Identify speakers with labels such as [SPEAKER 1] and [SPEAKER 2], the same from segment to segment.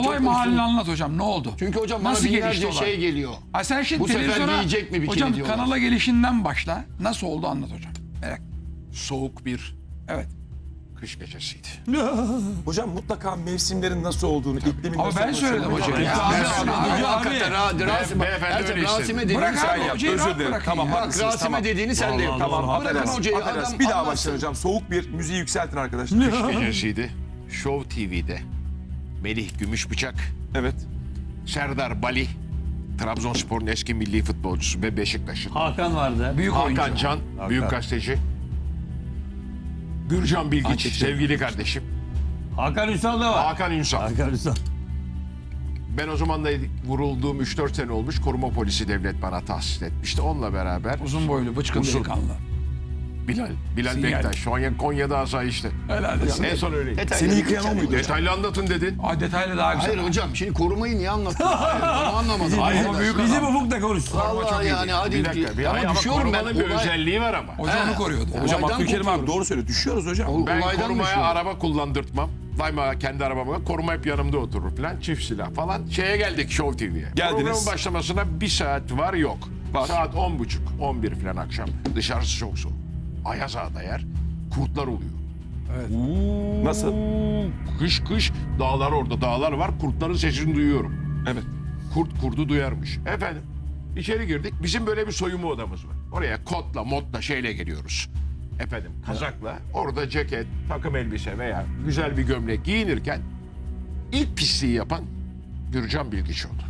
[SPEAKER 1] Olay mahallini anlat hocam, ne oldu?
[SPEAKER 2] Çünkü hocam bana
[SPEAKER 1] Nasıl gelişti
[SPEAKER 2] binlerce
[SPEAKER 1] olay?
[SPEAKER 2] şey geliyor.
[SPEAKER 1] Ha sen şimdi
[SPEAKER 2] Bu sefer
[SPEAKER 1] televizyona,
[SPEAKER 2] yiyecek mi bikini
[SPEAKER 1] hocam
[SPEAKER 2] diyorlar.
[SPEAKER 1] kanala gelişinden başla. Nasıl oldu anlat hocam. Merak.
[SPEAKER 3] Soğuk bir
[SPEAKER 1] Evet.
[SPEAKER 3] kış gecesiydi.
[SPEAKER 4] Hocam mutlaka mevsimlerin nasıl olduğunu, iklimin
[SPEAKER 1] Ama
[SPEAKER 4] nasıl
[SPEAKER 1] ben
[SPEAKER 4] olduğunu
[SPEAKER 1] söyledim
[SPEAKER 4] söylemek
[SPEAKER 1] hocam.
[SPEAKER 4] lazım.
[SPEAKER 2] Hakikaten Rasim,
[SPEAKER 3] beyefendi öyle
[SPEAKER 2] Rasim'e
[SPEAKER 3] istedi.
[SPEAKER 2] dediğini
[SPEAKER 1] Bırak
[SPEAKER 2] sen
[SPEAKER 1] abi
[SPEAKER 2] de yap.
[SPEAKER 1] hocayı
[SPEAKER 4] Özür
[SPEAKER 1] rahat
[SPEAKER 4] dilerim.
[SPEAKER 1] bırakın
[SPEAKER 4] Tamam,
[SPEAKER 1] ya.
[SPEAKER 2] Bak
[SPEAKER 4] haklısınız.
[SPEAKER 2] Rasim'e
[SPEAKER 4] Tamam.
[SPEAKER 2] dediğini sen de yap.
[SPEAKER 4] Tamam,
[SPEAKER 2] Bırakın
[SPEAKER 4] affedersiniz.
[SPEAKER 2] hocayı,
[SPEAKER 4] Affedersiniz.
[SPEAKER 2] adam
[SPEAKER 4] Bir daha
[SPEAKER 2] anlatsın.
[SPEAKER 4] başlayın hocam. Soğuk bir müziği yükseltin arkadaşlar.
[SPEAKER 3] Kış gecesiydi. Show TV'de Melih Gümüşbıçak,
[SPEAKER 4] Evet.
[SPEAKER 3] Serdar Bali, Trabzonspor'un eski milli futbolcusu ve Beşiktaş'ın.
[SPEAKER 5] Hakan vardı.
[SPEAKER 1] Büyük oyuncu.
[SPEAKER 3] Hakan Can, büyük gazeteci. Gürcan Bilgiç, sevgili kardeşim.
[SPEAKER 5] Hakan Ünsal da var.
[SPEAKER 3] Hakan Ünsal.
[SPEAKER 5] Hakan Ünsal.
[SPEAKER 3] Ben o zaman da vurulduğum 3-4 sene olmuş. Koruma polisi devlet bana tahsis etmişti. Onunla beraber
[SPEAKER 1] Uzun boylu, bıçkın
[SPEAKER 3] Uzun.
[SPEAKER 1] delikanlı.
[SPEAKER 3] Bilal
[SPEAKER 1] Sinyal.
[SPEAKER 3] Bektaş. Şu an Konya'da asayişte.
[SPEAKER 1] Helal olsun.
[SPEAKER 3] En son öyleydi.
[SPEAKER 4] Seni yıkayan o muydu?
[SPEAKER 3] Detaylı anlatın dedin.
[SPEAKER 1] Ay detaylı daha güzel.
[SPEAKER 2] Hayır hocam şimdi korumayı niye anlattın? Onu anlamadım.
[SPEAKER 3] Hayır,
[SPEAKER 1] ama büyük
[SPEAKER 5] Bizim ufuk da konuşsun.
[SPEAKER 2] Vallahi yani hadi.
[SPEAKER 3] Bir dakika.
[SPEAKER 2] Ama düşüyorum ben.
[SPEAKER 3] korumanın bir özelliği var ama.
[SPEAKER 1] Hoca onu koruyordu.
[SPEAKER 4] Hocam
[SPEAKER 2] Olaydan
[SPEAKER 4] Abdülkerim abi
[SPEAKER 2] kopuyoruz.
[SPEAKER 4] doğru söylüyor. Düşüyoruz hocam.
[SPEAKER 3] Ben
[SPEAKER 2] Olaydan
[SPEAKER 3] korumaya
[SPEAKER 2] düşüyorum.
[SPEAKER 3] araba kullandırtmam. Daima kendi arabama. Koruma hep yanımda oturur falan. Çift silah falan. Şeye geldik Show TV'ye.
[SPEAKER 4] Geldiniz.
[SPEAKER 3] Programın başlamasına bir saat var yok.
[SPEAKER 4] Var.
[SPEAKER 3] Saat 10.30, 11 falan akşam. Dışarısı çok soğuk. Ayaz Ağa'da yer. Kurtlar oluyor.
[SPEAKER 4] Nasıl?
[SPEAKER 3] Kış dağlar orada. Dağlar var. Kurtların sesini duyuyorum.
[SPEAKER 4] Evet.
[SPEAKER 3] Kurt kurdu duyarmış. Efendim içeri girdik. Bizim böyle bir soyunma odamız var. Oraya kotla motla şeyle geliyoruz. Efendim kazakla orada ceket, takım elbise veya güzel bir gömlek giyinirken ilk pisliği yapan Gürcan Bilgiç oldu.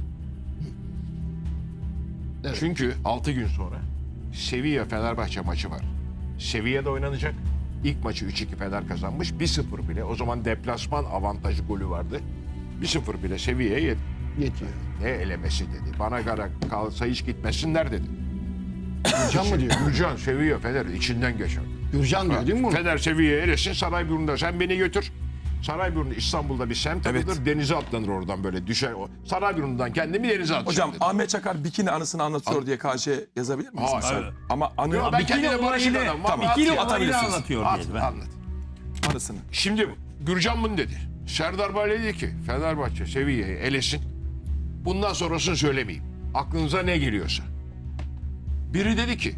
[SPEAKER 2] Evet.
[SPEAKER 3] Çünkü 6 gün sonra Sevilla Fenerbahçe maçı var. Sevilla'da oynanacak. İlk maçı 3-2 Fener kazanmış. 1-0 bile. O zaman deplasman avantajı golü vardı. 1-0 bile Sevilla'ya
[SPEAKER 2] Yetiyor.
[SPEAKER 3] ne elemesi dedi. Bana göre kalsa hiç gitmesinler dedi.
[SPEAKER 2] Gürcan mı diyor?
[SPEAKER 3] Gürcan, Sevilla, Fener içinden geçer.
[SPEAKER 2] Gürcan diyor değil mi bunu?
[SPEAKER 3] Fener Sevilla'ya elesin, Sarayburnu'nda sen beni götür. Sarayburnu İstanbul'da bir semt adıdır. Denize atlanır oradan böyle düşer. Sarayburnu'ndan kendimi denize atacağım
[SPEAKER 4] Hocam
[SPEAKER 3] dedi.
[SPEAKER 4] Ahmet Çakar bikini anısını anlatıyor diye KC yazabilir miyiz?
[SPEAKER 3] Hayır.
[SPEAKER 4] mesela? Ama anı
[SPEAKER 3] Yok, ben kendine
[SPEAKER 5] olayını-
[SPEAKER 3] barışık adamım.
[SPEAKER 4] Tamam,
[SPEAKER 3] At
[SPEAKER 5] İkili
[SPEAKER 3] ya.
[SPEAKER 5] olayını
[SPEAKER 4] atabilirsiniz.
[SPEAKER 5] anlatıyor
[SPEAKER 3] At,
[SPEAKER 5] diyelim.
[SPEAKER 3] anlat.
[SPEAKER 4] anısını.
[SPEAKER 3] Şimdi Gürcan bunu dedi. Serdar Bey dedi ki Fenerbahçe Sevilla'yı elesin. Bundan sonrasını söylemeyeyim. Aklınıza ne geliyorsa. Biri dedi ki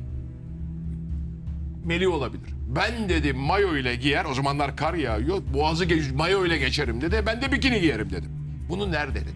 [SPEAKER 3] Melih olabilir. Ben dedi mayo ile giyer. O zamanlar kar yağıyor. Boğazı mayo ile geçerim dedi. Ben de bikini giyerim dedim. Bunu nerede dedim.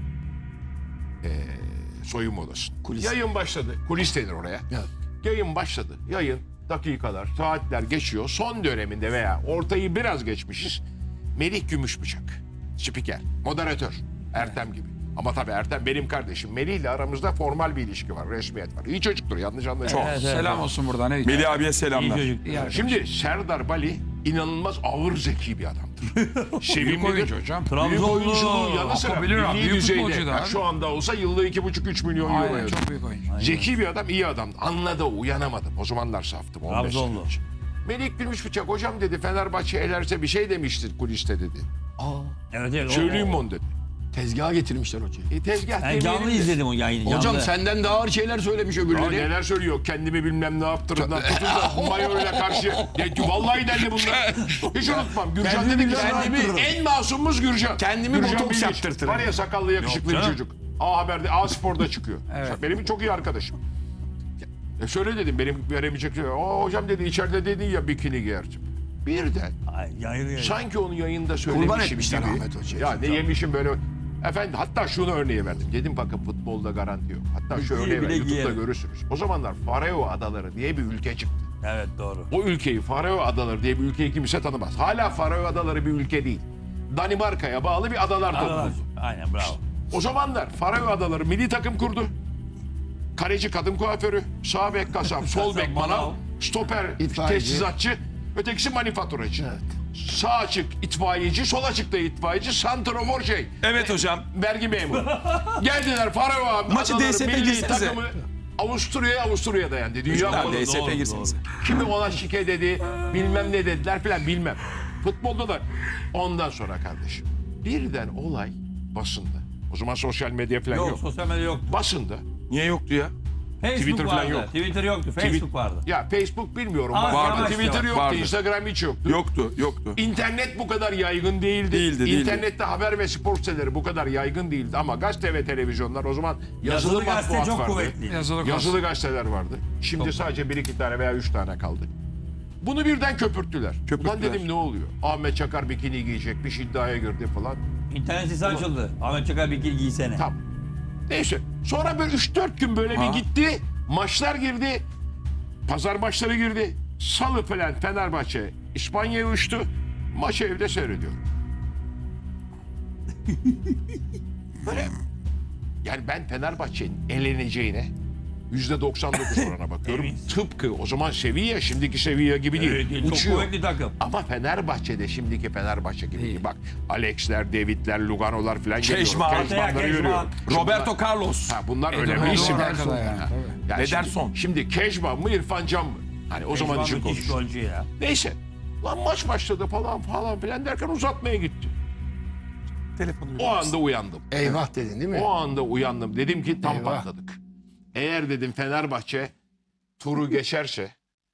[SPEAKER 3] Soyunma odası.
[SPEAKER 4] Kulis.
[SPEAKER 3] Yayın başladı. Kulis denir oraya.
[SPEAKER 2] Evet.
[SPEAKER 3] Yayın başladı. Yayın dakikalar, saatler geçiyor. Son döneminde veya ortayı biraz geçmişiz. Melih Gümüşbıçak. Spiker, moderatör. Ertem gibi. Ama tabii Ertem benim kardeşim. Melih ile aramızda formal bir ilişki var, resmiyet var. İyi çocuktur, yanlış anlaşılma.
[SPEAKER 5] Evet, evet.
[SPEAKER 1] Selam olsun buradan. Ne
[SPEAKER 4] Melih abiye
[SPEAKER 5] İyi
[SPEAKER 4] selamlar.
[SPEAKER 5] çocuk.
[SPEAKER 1] İyi arkadaş.
[SPEAKER 3] Şimdi Serdar Bali inanılmaz ağır zeki bir adamdır.
[SPEAKER 1] Büyük
[SPEAKER 3] Sevimlidir.
[SPEAKER 1] oyuncu hocam.
[SPEAKER 3] Büyük
[SPEAKER 5] Trabzonlu.
[SPEAKER 3] oyunculuğun yanı sıra
[SPEAKER 1] Yapabilir abi,
[SPEAKER 3] milli
[SPEAKER 1] büyük
[SPEAKER 3] düzeyde.
[SPEAKER 1] futbolcu da
[SPEAKER 3] Yani
[SPEAKER 1] abi.
[SPEAKER 3] şu anda olsa yılda 2,5-3 milyon euro
[SPEAKER 1] Aynen,
[SPEAKER 3] yazar.
[SPEAKER 1] çok büyük oyuncu.
[SPEAKER 3] Zeki bir adam, iyi adam. Anladı, uyanamadım. O zamanlar saftım. 15 sene
[SPEAKER 5] Trabzonlu.
[SPEAKER 3] önce. Melih Gümüşbıçak hocam dedi Fenerbahçe elerse bir şey demiştir kuliste dedi.
[SPEAKER 5] Evet evet.
[SPEAKER 3] Söyleyeyim mi onu dedi.
[SPEAKER 2] Tezgaha getirmişler hocayı.
[SPEAKER 3] Tezgah
[SPEAKER 5] Ben canlı
[SPEAKER 3] demeyelim de.
[SPEAKER 5] izledim o yayını.
[SPEAKER 2] Hocam
[SPEAKER 5] canlı.
[SPEAKER 2] senden daha ağır şeyler söylemiş
[SPEAKER 3] Ya
[SPEAKER 2] öbürleri.
[SPEAKER 3] neler söylüyor kendimi bilmem ne yaptırımdan tutun da mayoyla karşı. Ya, vallahi derdi bunlar. Hiç unutmam. Gürcan dedi ki kendimi en masumumuz Gürcan.
[SPEAKER 2] Kendimi
[SPEAKER 3] Gürcan
[SPEAKER 2] botoks
[SPEAKER 3] Bilgiç.
[SPEAKER 2] yaptırtırım.
[SPEAKER 3] Var ya sakallı yakışıklı bir
[SPEAKER 5] canım.
[SPEAKER 3] çocuk. A Haber'de A Spor'da çıkıyor.
[SPEAKER 1] Evet.
[SPEAKER 3] Benim çok iyi arkadaşım. Şöyle dedim benim veremeyecek şey. Hocam dedi içeride dedin ya bikini giyerdim. Birden
[SPEAKER 5] Ay, yayını.
[SPEAKER 3] sanki onu yayında
[SPEAKER 2] Kurban
[SPEAKER 3] söylemişim
[SPEAKER 2] etmişler
[SPEAKER 3] gibi.
[SPEAKER 2] Ahmet Hoca'yı.
[SPEAKER 3] Ya ne yemişim böyle. Efendim hatta şunu örneği verdim. Dedim bakın futbolda garanti yok. Hatta şu
[SPEAKER 5] Giy
[SPEAKER 3] örneği
[SPEAKER 5] bile
[SPEAKER 3] ver. YouTube'da
[SPEAKER 5] giyerim.
[SPEAKER 3] görürsünüz. O zamanlar Faroe Adaları diye bir ülke çıktı.
[SPEAKER 5] Evet doğru.
[SPEAKER 3] O ülkeyi Faroe Adaları diye bir ülkeyi kimse tanımaz. Hala Faroe Adaları bir ülke değil. Danimarka'ya bağlı bir adalar topluluğu.
[SPEAKER 5] Aynen bravo.
[SPEAKER 3] O zamanlar Faroe Adaları milli takım kurdu. Kaleci kadın kuaförü, sağ bek kasap, sol bek manav, stoper
[SPEAKER 2] İtfaiyeci.
[SPEAKER 3] tesisatçı, ötekisi manifaturacı.
[SPEAKER 2] Evet.
[SPEAKER 3] Sağ açık itfaiyeci, sol açık da itfaiyeci, santrafor şey.
[SPEAKER 4] Evet hocam.
[SPEAKER 3] Vergi memuru. Geldiler Faroe
[SPEAKER 4] Maçı
[SPEAKER 3] Adaları
[SPEAKER 4] DSP
[SPEAKER 3] milli
[SPEAKER 4] girsenize.
[SPEAKER 3] takımı Avusturya'ya dayandı. Dünya
[SPEAKER 4] Tamam,
[SPEAKER 3] Kupası.
[SPEAKER 4] DSP girsiniz.
[SPEAKER 3] Kimi ona şike dedi, bilmem ne dediler filan bilmem. Futbolda da ondan sonra kardeşim. Birden olay basında. O zaman sosyal medya falan
[SPEAKER 5] Yok
[SPEAKER 3] yok.
[SPEAKER 5] sosyal medya yok.
[SPEAKER 3] Basında
[SPEAKER 4] Niye yoktu ya?
[SPEAKER 3] Twitter falan
[SPEAKER 5] vardı.
[SPEAKER 3] yok.
[SPEAKER 5] Twitter yoktu. Facebook vardı.
[SPEAKER 3] Ya Facebook bilmiyorum.
[SPEAKER 5] Ama
[SPEAKER 3] Vardı.
[SPEAKER 5] yavaş
[SPEAKER 3] Twitter
[SPEAKER 5] yavaş.
[SPEAKER 3] yoktu.
[SPEAKER 4] Vardı.
[SPEAKER 3] Instagram hiç yoktu.
[SPEAKER 4] Yoktu.
[SPEAKER 3] İnternet bu kadar yaygın değildi.
[SPEAKER 4] Değildi.
[SPEAKER 3] İnternette haber ve spor siteleri bu kadar yaygın değildi. Ama gazete ve televizyonlar o zaman yazılı
[SPEAKER 5] Yazılı gazete
[SPEAKER 3] matbuat
[SPEAKER 5] çok
[SPEAKER 3] vardı.
[SPEAKER 5] kuvvetliydi.
[SPEAKER 3] Yazılı gazeteler vardı. Şimdi sadece 1-2 tane veya 3 tane kaldı. Bunu birden köpürttüler. Ulan dedim ne oluyor? Ahmet Çakar bikini giyecekmiş, iddiaya girdi falan.
[SPEAKER 5] İnternet sitesi açıldı. Ahmet Çakar bir giysene.
[SPEAKER 3] Tam. Neyse. Sonra böyle 3-4 gün böyle bir gitti. Maçlar girdi. Pazar maçları girdi. Salı falan Fenerbahçe İspanya'ya uçtu. Maçı evde seyrediyorum. Böyle. Yani ben Fenerbahçe'nin eleneceğine %99 orana bakıyorum. Tıpkı o zaman Sevilla şimdiki Sevilla gibi değil.
[SPEAKER 5] Evet, çok
[SPEAKER 3] Uçuyor.
[SPEAKER 5] kuvvetli takım.
[SPEAKER 3] Ama Fenerbahçe'de şimdiki Fenerbahçe gibi değil. Bak Alex'ler, David'ler, Lugano'lar falan geliyor.
[SPEAKER 4] Keşman.
[SPEAKER 3] Keşmanları
[SPEAKER 5] Keşman.
[SPEAKER 3] görüyorum.
[SPEAKER 4] Roberto Carlos.
[SPEAKER 3] Ha, bunlar
[SPEAKER 1] Ederson
[SPEAKER 3] önemli isimler.
[SPEAKER 1] arkada yani,
[SPEAKER 3] Ha.
[SPEAKER 1] tabii.
[SPEAKER 3] Yani
[SPEAKER 4] Ederson.
[SPEAKER 3] Şimdi Keşman mı İrfan Can mı? Hani o zaman için
[SPEAKER 5] müthiş
[SPEAKER 3] konuşuyor.
[SPEAKER 5] golcü ya.
[SPEAKER 3] Neyse. Lan maç başladı falan filan derken uzatmaya gitti.
[SPEAKER 4] Telefonu
[SPEAKER 3] O anda uyandım.
[SPEAKER 2] Eyvah dedin değil mi?
[SPEAKER 3] O anda uyandım. Dedim ki tam
[SPEAKER 2] Eyvah.
[SPEAKER 3] patladık. Eğer dedim Fenerbahçe turu geçerse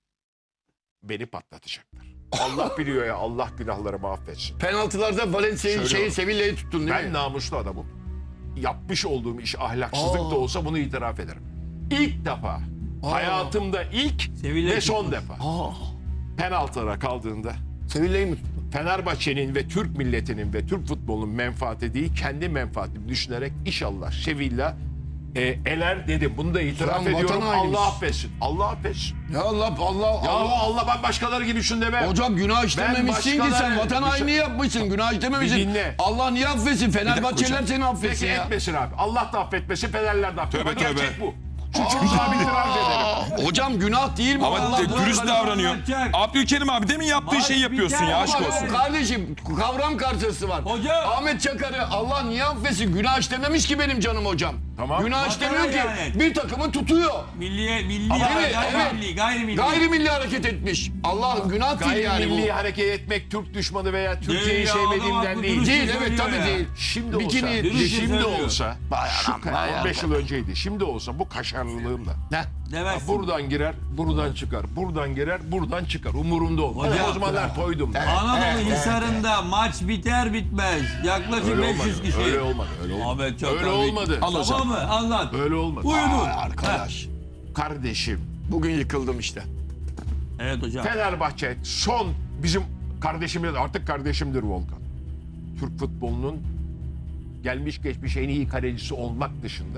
[SPEAKER 3] beni patlatacaklar. Allah biliyor ya, Allah günahlarımı affetsin.
[SPEAKER 2] Penaltılarda Valencia'yı
[SPEAKER 3] Söylüyorum.
[SPEAKER 2] Sevilla'yı tuttun değil
[SPEAKER 3] Ben
[SPEAKER 2] mi?
[SPEAKER 3] namuslu adamım. Yapmış olduğum iş ahlaksızlık da olsa bunu itiraf ederim. İlk defa, hayatımda ilk
[SPEAKER 5] Sevilla
[SPEAKER 3] ve son
[SPEAKER 5] tutmuş.
[SPEAKER 3] defa penaltılara kaldığında
[SPEAKER 2] Sevilla'yı mı tuttun?
[SPEAKER 3] Fenerbahçe'nin ve Türk milletinin ve Türk futbolunun menfaati değil, kendi menfaatimi düşünerek inşallah Sevilla eler dedim. Bunu da itiraf
[SPEAKER 2] Lan
[SPEAKER 3] ediyorum.
[SPEAKER 2] vatan hainiymiş.
[SPEAKER 3] Allah affetsin. Allah affetsin.
[SPEAKER 2] Ya Allah
[SPEAKER 3] Ya Allah ben başkaları gibi şunu demem.
[SPEAKER 2] Hocam günah işlememişsin ki sen.
[SPEAKER 3] başkaları-
[SPEAKER 2] Vatan hainliği yapmışsın. Günah işlememişsin.
[SPEAKER 3] Bir dinle.
[SPEAKER 2] Allah niye affetsin? Fenerbahçeliler seni affetsin
[SPEAKER 3] Peki
[SPEAKER 2] ya.
[SPEAKER 3] etmesin abi. Allah da affetmesin, Fenerler de affetmesin.
[SPEAKER 4] Tövbe, tövbe.
[SPEAKER 3] Gerçek bu. Suçumuzu abi itiraf edelim.
[SPEAKER 2] Hocam günah değil mi?
[SPEAKER 4] Ama
[SPEAKER 2] Allah
[SPEAKER 4] dürüst
[SPEAKER 5] Allah
[SPEAKER 4] davranıyor.
[SPEAKER 5] anlatacak.
[SPEAKER 4] Abdülkerim abi demin yaptığı
[SPEAKER 5] Maç
[SPEAKER 4] şeyi yapıyorsun
[SPEAKER 5] biter
[SPEAKER 4] ya
[SPEAKER 5] ama
[SPEAKER 4] aşk
[SPEAKER 2] Ama
[SPEAKER 4] olsun.
[SPEAKER 2] kardeşim kavram karşısı var.
[SPEAKER 5] Hocam.
[SPEAKER 2] Ahmet Çakar'ı Allah niye affetsin? Günah işlememiş ki benim canım hocam.
[SPEAKER 3] Tamam.
[SPEAKER 2] Günah
[SPEAKER 5] Vatan
[SPEAKER 2] işlemiyor ki.
[SPEAKER 5] yani.
[SPEAKER 2] Bir takımı tutuyor.
[SPEAKER 5] Milli
[SPEAKER 2] Ama
[SPEAKER 5] ya,
[SPEAKER 2] evet,
[SPEAKER 5] gayrimilli.
[SPEAKER 2] Gayrimilli hareket etmiş. Allah günah değil yani
[SPEAKER 3] Gayrimilli
[SPEAKER 2] bu.
[SPEAKER 3] hareket etmek Türk düşmanı veya Türkiye'yi
[SPEAKER 5] Değil ya,
[SPEAKER 3] sevmediğimden
[SPEAKER 5] adam
[SPEAKER 3] değil.
[SPEAKER 5] haklı,
[SPEAKER 2] Değil
[SPEAKER 5] Dürüst
[SPEAKER 2] evet
[SPEAKER 5] söylüyor
[SPEAKER 2] tabii
[SPEAKER 5] ya.
[SPEAKER 2] değil.
[SPEAKER 3] Şimdi
[SPEAKER 2] Bikini
[SPEAKER 3] olsa,
[SPEAKER 5] Dürüst
[SPEAKER 3] şimdi
[SPEAKER 5] söylüyor.
[SPEAKER 3] olsa, şu 15 yıl önceydi. Şimdi olsa bu kaşarlılığımla.
[SPEAKER 5] Demezsin.
[SPEAKER 3] Buradan girer, buradan çıkar. Buradan girer, buradan çıkar. Umurumda olmaz.
[SPEAKER 5] Hocam.
[SPEAKER 3] O zamanlar toydum.
[SPEAKER 5] Anadolu Hisarı'nda maç biter bitmez. Yaklaşık
[SPEAKER 3] Öyle
[SPEAKER 5] 500
[SPEAKER 3] olmadı.
[SPEAKER 5] kişi.
[SPEAKER 3] Öyle olmadı. Öyle olmadı.
[SPEAKER 5] Ahmet Çakar.
[SPEAKER 3] Öyle olmadı.
[SPEAKER 4] Al hocam.
[SPEAKER 5] Tamam mı? Anlat.
[SPEAKER 3] Öyle olmadı.
[SPEAKER 5] Uyudun.
[SPEAKER 2] Arkadaş.
[SPEAKER 3] Kardeşim,
[SPEAKER 2] Bugün yıkıldım işte.
[SPEAKER 5] Evet hocam.
[SPEAKER 3] Fenerbahçe son bizim kardeşimiz, artık kardeşimdir Volkan. Türk futbolunun gelmiş geçmiş en iyi kalecisi olmak dışında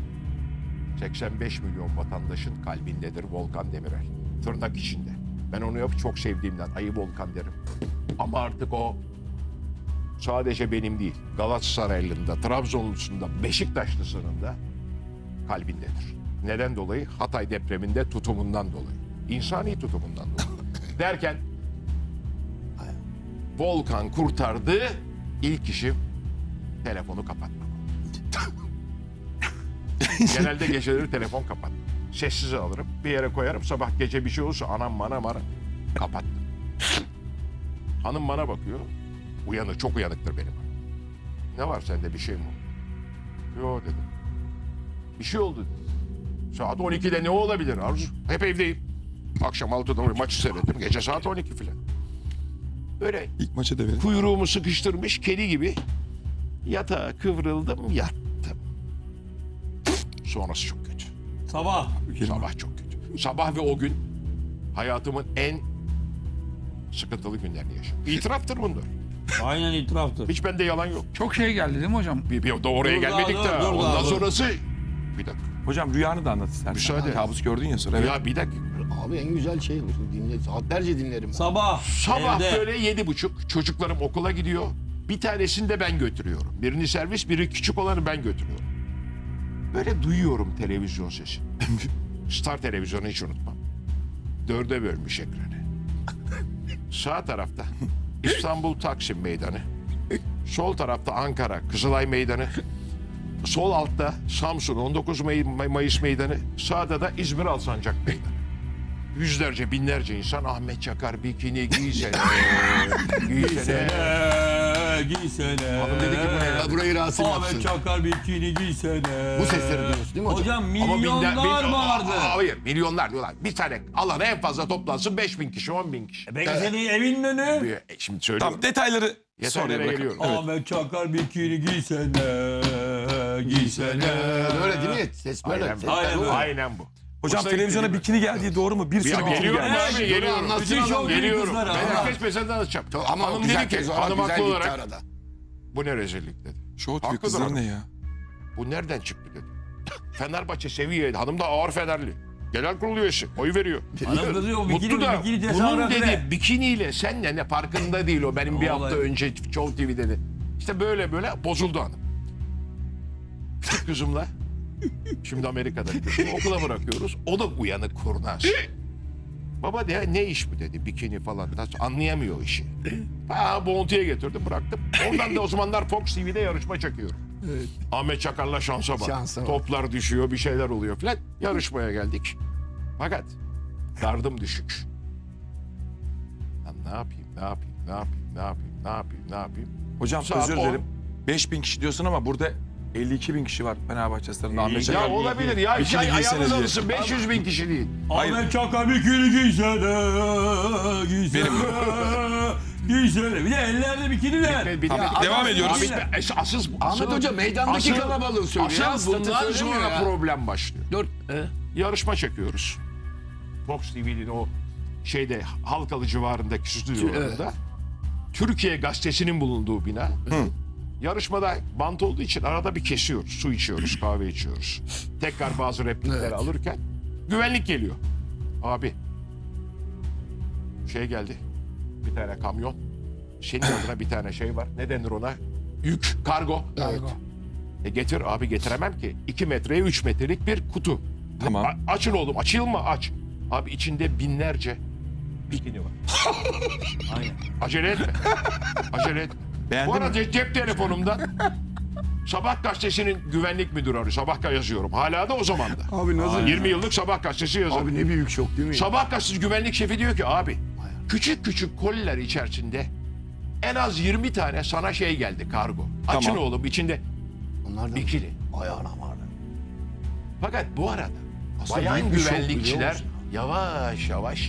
[SPEAKER 3] 85 milyon vatandaşın kalbindedir Volkan Demirel. Tırnak içinde. Ben onu çok sevdiğimden ayı Volkan derim. Ama artık o sadece benim değil. Galatasaraylı'nda, Trabzonlu'sunda, Beşiktaşlısı'nın da kalbindedir. Neden dolayı? Hatay depreminde tutumundan dolayı. İnsani tutumundan dolayı. Derken Volkan kurtardı. İlk işim telefonu kapatmak. Genelde geceleri telefon kapat. Sessize alırım. Bir yere koyarım. Sabah gece bir şey olursa anam bana kapattım. Hanım bana bakıyor. Uyanık, çok uyanıktır benim. Ne var sende, bir şey mi oldu? Yok dedim. Bir şey oldu dedim. Saat 12'de ne olabilir Arzu? Hep evdeyim. Akşam 6'da maçı seyrettim. Gece saat 12 falan. Böyle
[SPEAKER 4] İlk maçı da verin.
[SPEAKER 3] kuyruğumu sıkıştırmış kedi gibi yatağa kıvrıldım, yattım. Sonrası çok kötü.
[SPEAKER 5] Sabah.
[SPEAKER 3] Sabah çok kötü. Sabah ve o gün hayatımın en sıkıntılı günlerini yaşadım. İtiraftır bunlar.
[SPEAKER 5] Aynen itiraftır.
[SPEAKER 3] Hiç bende yalan yok.
[SPEAKER 1] Çok şey geldi değil mi hocam?
[SPEAKER 3] Bir de oraya
[SPEAKER 5] Dur
[SPEAKER 3] gelmedik
[SPEAKER 5] daha,
[SPEAKER 3] daha.
[SPEAKER 5] dur
[SPEAKER 3] Ondan
[SPEAKER 5] daha, dur.
[SPEAKER 3] sonrası... Bir dakika.
[SPEAKER 4] Hocam rüyanı da anlat istersen.
[SPEAKER 3] Müsaade.
[SPEAKER 4] Kabus gördün ya sonra. Evet.
[SPEAKER 3] Ya bir dakika.
[SPEAKER 2] Abi en güzel şey dinle. Saatlerce dinlerim.
[SPEAKER 5] Sabah.
[SPEAKER 3] Sabah
[SPEAKER 5] evde.
[SPEAKER 3] böyle 7.30 çocuklarım okula gidiyor. Bir tanesini de ben götürüyorum. Birini servis, biri küçük olanı ben götürüyorum. Böyle duyuyorum televizyon sesi. Star televizyonu hiç unutmam. 4'e bölmüş ekranı. Sağ tarafta İstanbul Taksim Meydanı. Sol tarafta Ankara Kızılay Meydanı. Sol altta Samsun 19 Mayıs Meydanı. Sağda da İzmir Alsancak Meydanı. Yüzlerce, binlerce insan Ahmet Çakar bikini giysene. Giysene.
[SPEAKER 5] giysene.
[SPEAKER 2] Hanım dedi ki burayı Rasim
[SPEAKER 5] Ahmet
[SPEAKER 2] yapsın.
[SPEAKER 5] Çakar bikini giysene.
[SPEAKER 2] Bu sesleri duyuyorsun değil mi hocam?
[SPEAKER 5] Hocam
[SPEAKER 3] Ama
[SPEAKER 5] milyonlar vardı.
[SPEAKER 3] Hayır, milyonlar diyorlar. Bir tane alana en fazla toplansın 5.000 kişi, 10.000 kişi.
[SPEAKER 5] Peki senin evinin önü?
[SPEAKER 3] Şimdi söylüyorum.
[SPEAKER 4] Tamam, detayları
[SPEAKER 3] Yeterlere
[SPEAKER 4] sonraya bırakalım.
[SPEAKER 3] geliyorum.
[SPEAKER 4] Evet.
[SPEAKER 5] Ahmet Çakar bikini giysene.
[SPEAKER 2] Böyle değil mi? Ses böyle.
[SPEAKER 3] Aynen,
[SPEAKER 2] Sesler
[SPEAKER 5] aynen
[SPEAKER 2] bu.
[SPEAKER 5] böyle.
[SPEAKER 3] Aynen bu.
[SPEAKER 4] Hocam
[SPEAKER 3] Hoşuna
[SPEAKER 4] televizyona
[SPEAKER 3] gitti
[SPEAKER 4] bikini geldiği doğru mu? Bir sürü
[SPEAKER 3] Ya
[SPEAKER 4] bikini
[SPEAKER 3] geliyorum
[SPEAKER 4] geldi.
[SPEAKER 3] abi,
[SPEAKER 2] Dur,
[SPEAKER 3] geliyorum.
[SPEAKER 2] anlatsın
[SPEAKER 5] Bütün
[SPEAKER 2] adam.
[SPEAKER 5] şov
[SPEAKER 3] Geliyorum.
[SPEAKER 5] kızlar
[SPEAKER 3] Ben
[SPEAKER 5] ama.
[SPEAKER 3] herkes mesela anlatacağım.
[SPEAKER 2] Ama
[SPEAKER 3] Hanım
[SPEAKER 2] güzel
[SPEAKER 3] dedi ki,
[SPEAKER 2] tez
[SPEAKER 3] hanım
[SPEAKER 2] güzel
[SPEAKER 3] haklı
[SPEAKER 2] gitti
[SPEAKER 3] olarak
[SPEAKER 2] arada.
[SPEAKER 3] bu ne rezillik dedi.
[SPEAKER 4] Show TV
[SPEAKER 3] Haklıdır
[SPEAKER 4] kızları
[SPEAKER 3] hanım.
[SPEAKER 4] ne ya?
[SPEAKER 3] Bu nereden çıktı dedi. Fenerbahçe seviyeydi. Hanım da ağır Fenerli. Genel kurul üyesi. Oy veriyor.
[SPEAKER 5] Hanım kızıyor o
[SPEAKER 3] Mutlu da
[SPEAKER 5] bikini
[SPEAKER 3] bunun
[SPEAKER 5] tezahüratı
[SPEAKER 3] dedi
[SPEAKER 5] ne?
[SPEAKER 3] bikiniyle senle ne farkında değil o. Benim bir
[SPEAKER 5] Olay.
[SPEAKER 3] hafta önce Show TV dedi. İşte böyle bozuldu hanım. Küçük kızımla şimdi Amerika'da kızım, okula bırakıyoruz. O da uyanık kurnaz. Baba de ne iş bu dedi bikini falan. Nasıl anlayamıyor işi. Bontu'ya getirdim bıraktım. Ondan da o zamanlar Fox TV'de yarışma çekiyorum. Ahmet Çakar'la şansa bak.
[SPEAKER 2] Şansa bak.
[SPEAKER 3] Toplar düşüyor bir şeyler oluyor filan. Yarışmaya geldik. Fakat gardım düşük. Lan ne yapayım?
[SPEAKER 4] Hocam
[SPEAKER 3] Saat
[SPEAKER 4] özür
[SPEAKER 3] 10.
[SPEAKER 4] dilerim. 5000 kişi diyorsun ama burada 52.000 kişi var Fenerbahçe stadında. Ahmet
[SPEAKER 3] Ya
[SPEAKER 4] Çakar.
[SPEAKER 3] olabilir ya.
[SPEAKER 4] Bikini
[SPEAKER 3] Ayağınız
[SPEAKER 4] giyseniz diye.
[SPEAKER 3] alışsın 500.000 kişi değil.
[SPEAKER 5] Ahmet Çakar bikini giysene. Giysene. Bir de ellerde bikiniler.
[SPEAKER 4] Devam ediyoruz.
[SPEAKER 3] Asıl
[SPEAKER 2] Ahmet Hoca meydandaki kalabalığı söylüyor ya,
[SPEAKER 3] Asıl
[SPEAKER 2] statü
[SPEAKER 3] bundan
[SPEAKER 2] söylemiyor
[SPEAKER 3] sonra
[SPEAKER 2] ya.
[SPEAKER 3] problem başlıyor.
[SPEAKER 2] Dur.
[SPEAKER 3] Yarışma çekiyoruz. Fox TV'nin o şeyde Halkalı civarındaki stüdyolarında. Türkiye Gazetesi'nin bulunduğu bina. Yarışmada bant olduğu için arada bir kesiyoruz. Su içiyoruz, kahve içiyoruz. Tekrar bazı replikleri alırken güvenlik geliyor. Abi şey geldi. Bir tane kamyon. Senin adına bir tane şey var. Ne denir ona? Yük, kargo. Getir abi getiremem ki. 2 metreye 3 metrelik bir kutu.
[SPEAKER 4] Tamam.
[SPEAKER 3] Açın oğlum açılma aç. Abi içinde binlerce bikini var.
[SPEAKER 5] Aynen.
[SPEAKER 3] Acele etme. Acele etme.
[SPEAKER 4] Beğendin
[SPEAKER 3] Bu
[SPEAKER 4] mi?
[SPEAKER 3] arada cep telefonumdan Sabah gazetesinin güvenlik müdürü arıyor. Sabah yazıyorum. Hala da o zaman da.
[SPEAKER 2] Abi nasıl?
[SPEAKER 3] 20 yıllık Sabah gazetesi yazarı.
[SPEAKER 2] Abi ne büyük şok değil mi?
[SPEAKER 3] Sabah gazetesi güvenlik şefi diyor ki abi küçük küçük koliler içerisinde en az 20 tane sana şey geldi kargo. Açın
[SPEAKER 4] Tamam.
[SPEAKER 3] oğlum içinde
[SPEAKER 2] Onlar da
[SPEAKER 3] bikini.
[SPEAKER 2] ayağına vardı.
[SPEAKER 3] Fakat bu arada
[SPEAKER 2] Aslında
[SPEAKER 3] bayan
[SPEAKER 2] büyük bir şok, biliyor
[SPEAKER 3] güvenlikçiler
[SPEAKER 2] musun?
[SPEAKER 3] yavaş yavaş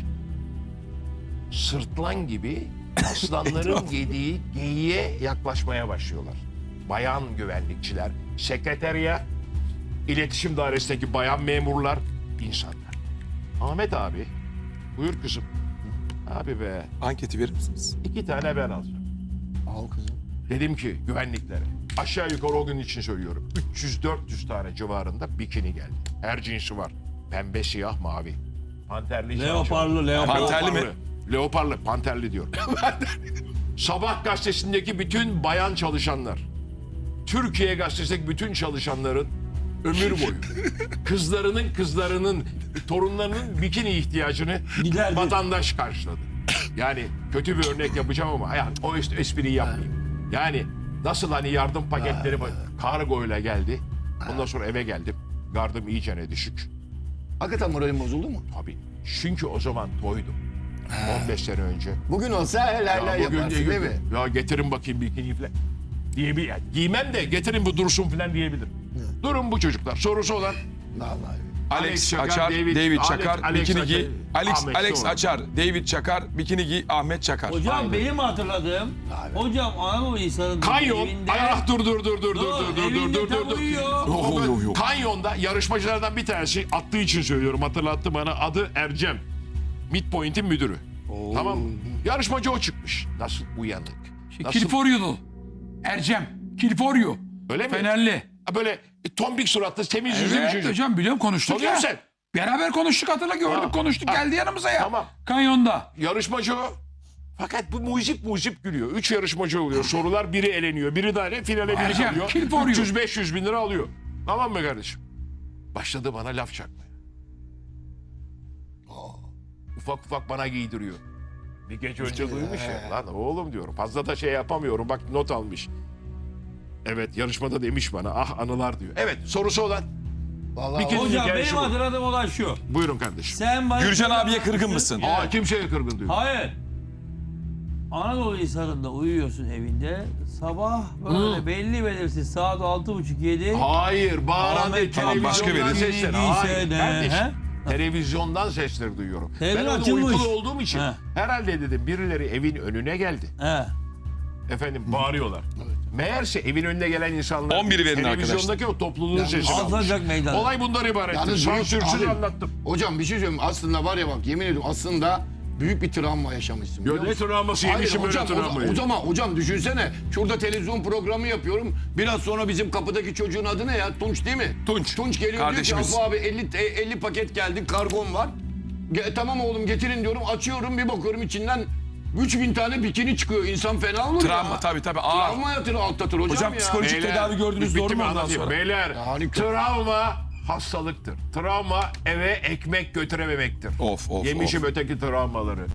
[SPEAKER 3] sırtlan gibi aslanların yediği geyiğe yaklaşmaya başlıyorlar. Bayan güvenlikçiler, sekreteriya, iletişim dairesindeki bayan memurlar, insanlar. Ahmet abi, buyur kızım. Abi be,
[SPEAKER 4] Anketi verir misiniz?
[SPEAKER 3] 2 tane ben alacağım.
[SPEAKER 2] Al kızım.
[SPEAKER 3] Dedim ki güvenliklere, aşağı yukarı o gün için söylüyorum. 300-400 tane civarında bikini geldi. Her cinsi var. Pembe, siyah, mavi. Panterli,
[SPEAKER 5] Leoparlı, leoparlı.
[SPEAKER 4] Panterli mi?
[SPEAKER 3] Leoparlı, panterli diyorum. Sabah gazetesindeki bütün bayan çalışanlar, Türkiye gazetesindeki bütün çalışanların ömür boyu kızlarının, torunlarının bikini ihtiyacını
[SPEAKER 5] Giderdi.
[SPEAKER 3] vatandaş karşıladı. Yani kötü bir örnek yapacağım ama yani o espriyi yapmayayım. Yani nasıl hani yardım paketleri kargoyla geldi. Ondan sonra eve geldim. Gardım iyicene düşük.
[SPEAKER 2] Hakikaten moralin bozuldu mu?
[SPEAKER 3] Tabii. Çünkü o zaman toydum. 15 sene önce.
[SPEAKER 2] Bugün olsa helal
[SPEAKER 3] Ya bugün
[SPEAKER 2] yaparsın değil mi?
[SPEAKER 3] Ya getirin bakayım bikini falan diyebilir. Yani giymem de getirin bu dursun falan diyebilir. Durun bu çocuklar. Sorusu olan
[SPEAKER 2] Vallahi.
[SPEAKER 3] Alex
[SPEAKER 4] Alex
[SPEAKER 3] Çakar,
[SPEAKER 4] Açar,
[SPEAKER 3] David-
[SPEAKER 4] David
[SPEAKER 3] Alex-
[SPEAKER 4] Çakar,
[SPEAKER 3] Alex
[SPEAKER 4] bikini
[SPEAKER 3] Açar,
[SPEAKER 4] giy.
[SPEAKER 3] Ahmet
[SPEAKER 4] Alex
[SPEAKER 3] sonra.
[SPEAKER 4] Açar, David Çakar, bikini giy, Ahmet Çakar.
[SPEAKER 5] Hocam benim hatırladığım, hocam Anadolu insanın
[SPEAKER 3] Kanyon.
[SPEAKER 5] evinde...
[SPEAKER 3] Dur.
[SPEAKER 5] Tam uyuyor.
[SPEAKER 4] Yok.
[SPEAKER 3] Kanyonda yarışmacılardan bir tanesi attığı için söylüyorum. Hatırlattı bana. Adı Ercem. Midpoint'in müdürü. Tamam mı? Yarışmacı o çıkmış. Nasıl uyanık. Nasıl,
[SPEAKER 1] Kilforyo'lu. Ercem. Kilforyo.
[SPEAKER 3] öyle mi?
[SPEAKER 1] Fenerli.
[SPEAKER 3] Böyle tombik suratlı, temiz yüzlü bir
[SPEAKER 1] Evet
[SPEAKER 3] çocuk.
[SPEAKER 1] hocam biliyorum konuştuk
[SPEAKER 3] Tanıyor
[SPEAKER 1] ya.
[SPEAKER 3] musun?
[SPEAKER 1] Beraber konuştuk hatırla gördük
[SPEAKER 3] Ha.
[SPEAKER 1] konuştuk
[SPEAKER 3] Ha.
[SPEAKER 1] geldi yanımıza ya.
[SPEAKER 3] Tamam.
[SPEAKER 1] Kanyonda.
[SPEAKER 3] Yarışmacı o. Fakat bu muzip gülüyor. 3 yarışmacı oluyor. Sorular biri eleniyor. Biri de finale biri
[SPEAKER 1] Ercem,
[SPEAKER 3] kalıyor.
[SPEAKER 1] kill for you.
[SPEAKER 3] 300-500 bin lira alıyor. Tamam mı kardeşim? Başladı bana laf çakmaya. Ufak bana giydiriyor. Bir gece önce duymuş ya. Lan oğlum diyorum. Fazla da şey yapamıyorum. Bak not almış. Evet yarışmada demiş bana. Ah anılar diyor. Evet sorusu olan.
[SPEAKER 2] Vallahi
[SPEAKER 3] Bir kez-
[SPEAKER 5] Hocam
[SPEAKER 3] Gel
[SPEAKER 5] benim
[SPEAKER 3] şu.
[SPEAKER 5] hatırladığım olay şu.
[SPEAKER 3] Buyurun kardeşim.
[SPEAKER 5] Sen bana...
[SPEAKER 4] Gürcan abiye kırgın mısın?
[SPEAKER 3] Aa kimseye kırgın diyor.
[SPEAKER 5] Hayır. Anadolu insanında uyuyorsun evinde. Sabah böyle belli belirsiz saat 6.30-7.
[SPEAKER 3] Hayır, bağıran
[SPEAKER 5] Ahmet,
[SPEAKER 4] tamam, başka
[SPEAKER 3] televizyondan
[SPEAKER 4] biri.
[SPEAKER 3] sesler.
[SPEAKER 5] Değilse
[SPEAKER 3] Hayır,
[SPEAKER 5] de,
[SPEAKER 3] kardeşim.
[SPEAKER 5] he?
[SPEAKER 3] Televizyondan sesleri duyuyorum.
[SPEAKER 5] Televizyon
[SPEAKER 3] Ben orada
[SPEAKER 5] açılmış.
[SPEAKER 3] uykulu olduğum için
[SPEAKER 5] He.
[SPEAKER 3] herhalde dedim birileri evin önüne geldi.
[SPEAKER 5] He.
[SPEAKER 3] Efendim bağırıyorlar. Meğerse evin önüne gelen insanlar
[SPEAKER 4] 11'i verin
[SPEAKER 3] televizyondaki o topluluğun sesini almış.
[SPEAKER 5] Alacak meydan.
[SPEAKER 3] Olay bundan ibarettir.
[SPEAKER 2] Yalnız büyük-
[SPEAKER 3] Sansürsüz
[SPEAKER 2] abi,
[SPEAKER 3] anlattım.
[SPEAKER 2] Hocam bir şey söyleyeyim. Aslında var ya bak yemin ediyorum aslında büyük bir travma yaşamışsın. biliyor
[SPEAKER 3] Ne
[SPEAKER 2] musun?
[SPEAKER 3] travması
[SPEAKER 2] Hayır
[SPEAKER 3] yemişim böyle
[SPEAKER 2] hocam,
[SPEAKER 3] travmayı.
[SPEAKER 2] o zaman hocam düşünsene. Şurada televizyon programı yapıyorum. Biraz sonra bizim kapıdaki çocuğun adı ne ya? Tunç değil mi?
[SPEAKER 4] Tunç.
[SPEAKER 2] Tunç geliyor
[SPEAKER 4] Kardeşimiz.
[SPEAKER 2] diyor ki Afu abi 50 paket geldi, kargom var. Tamam oğlum getirin diyorum. Açıyorum bir bakıyorum içinden 3000 tane bikini çıkıyor. İnsan fena olur
[SPEAKER 4] Travma
[SPEAKER 2] ya.
[SPEAKER 4] tabii.
[SPEAKER 2] Travma yatırır, atlatır hocam,
[SPEAKER 4] Hocam
[SPEAKER 2] ya.
[SPEAKER 4] psikolojik tedavi gördünüz
[SPEAKER 3] bitti
[SPEAKER 4] doğru
[SPEAKER 3] mi?
[SPEAKER 4] mu ondan
[SPEAKER 3] Anlatayım.
[SPEAKER 4] sonra?
[SPEAKER 3] Beyler
[SPEAKER 2] Harika.
[SPEAKER 3] travma hastalıktır. Travma eve ekmek götürememektir.
[SPEAKER 4] Of.
[SPEAKER 3] Yemişim öteki travmaları.